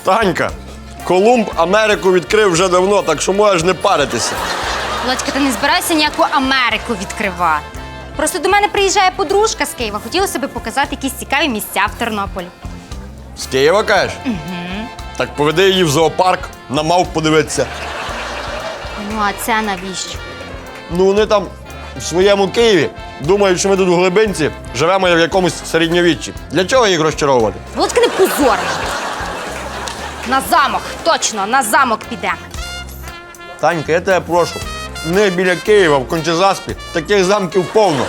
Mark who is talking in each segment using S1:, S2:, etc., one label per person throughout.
S1: Танька, Колумб Америку відкрив вже давно, так що можеш не паритися.
S2: Володька, ти не збирайся ніяку Америку відкривати. Просто до мене приїжджає подружка з Києва. Хотілося б показати якісь цікаві місця в Тернополі.
S1: З Києва, кажеш? Угу. Так поведи її в зоопарк, на мавп подивитися.
S2: Ну, а це навіщо?
S1: Ну, вони там в своєму Києві думають, що ми тут в глибинці живемо в якомусь середньовіччі. Для чого їх розчаровувати?
S2: Володька, не позор! На замок, точно, на замок підемо.
S1: Танька, я тебе прошу, не біля Києва, в Кончезаспі, таких замків повно.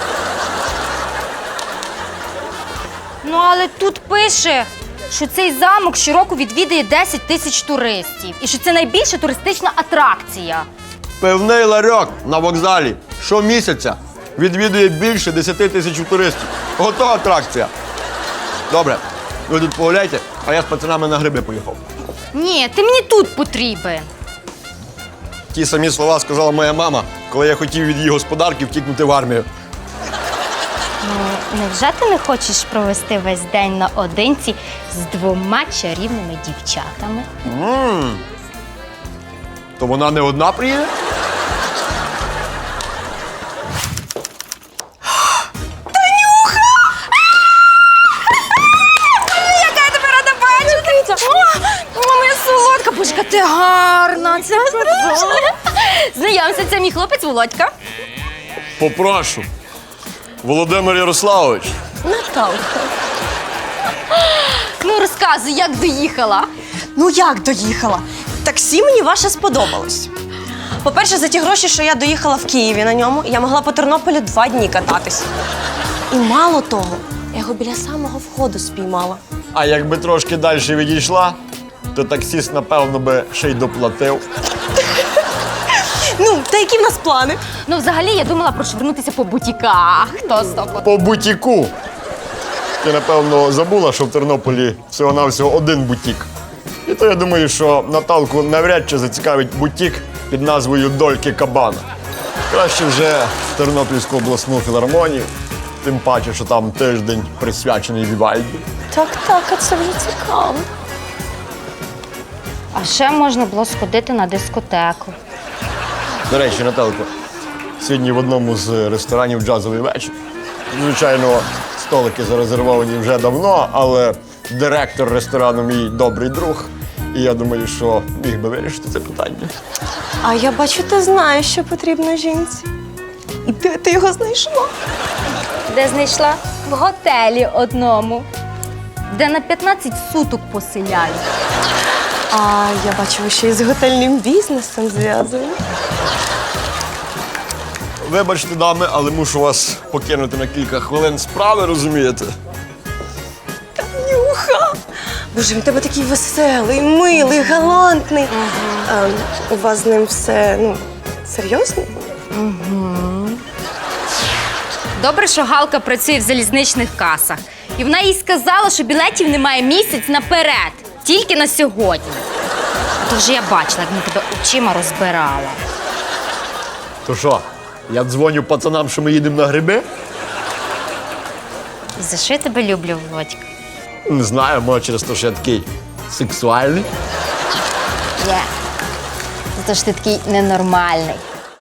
S2: Ну, але тут пише, що цей замок щороку відвідує 10 тисяч туристів. І що це найбільша туристична атракція.
S1: Пивний ларьок на вокзалі щомісяця відвідує більше 10 тисяч туристів. Готова атракція. Добре, ви тут погуляйте, а я з пацанами на гриби поїхав.
S2: Ні, ти мені тут потрібен.
S1: Ті самі слова сказала моя мама, коли я хотів від її господарки втікнути в армію.
S2: Ну, невже ти не хочеш провести весь день наодинці з 2 чарівними дівчатами?
S1: То вона не одна приїде?
S2: Яка я тебе рада бачити! О, моя солодка, божка, ти гарна! Це знайомся, це мій хлопець Володька.
S1: Попрошу. Володимир Ярославович.
S3: Наталка.
S2: Ну, розказуй, як доїхала.
S3: Ну як доїхала? Таксі мені ваше сподобалось. По-перше, за ті гроші, що я доїхала в Києві на ньому, я могла по Тернополю 2 дні кататись. І мало того, я його біля самого входу спіймала.
S1: А якби трошки далі відійшла, то таксіст, напевно, би ще й доплатив.
S3: Ну, та які в нас плани?
S2: Ну, взагалі, я думала прошвернутися по бутіках. Хто стоп?
S1: По бутіку. Ти, напевно, забула, що в Тернополі всього-навсього один бутік. І то я думаю, що Наталку навряд чи зацікавить бутік під назвою Дольки Кабана. Краще вже в Тернопільську обласну філармонію, тим паче, що там тиждень присвячений Вівальді.
S3: Так, а це вже цікаво.
S2: А ще можна було сходити на дискотеку.
S1: До речі, Наталко, сьогодні в одному з ресторанів джазовий вечір. Звичайно, столики зарезервовані вже давно, але директор ресторану мій добрий друг. І я думаю, що міг би вирішити це питання.
S3: А я бачу, ти знаєш, що потрібно жінці. І де ти його знайшла?
S2: Де знайшла? В готелі одному, де на 15 суток поселяють.
S3: А я бачу, ви ще й з готельним бізнесом зв'язані.
S1: Вибачте, дами, але мушу вас покинути на кілька хвилин справи, розумієте?
S3: Нюха! Боже, він тебе такий веселий, милий, галантний. У вас з ним все, серйозно?
S2: Добре, що Галка працює в залізничних касах. І вона їй сказала, що білетів немає місяць наперед. Тільки на сьогодні. А то вже я бачила, як вона тебе очима розбирала.
S1: То що, я дзвоню пацанам, що ми їдемо на гриби?
S2: І за що я тебе люблю, Володька?
S1: Не знаю, може через те, що я такий сексуальний.
S2: За те, що ти такий ненормальний.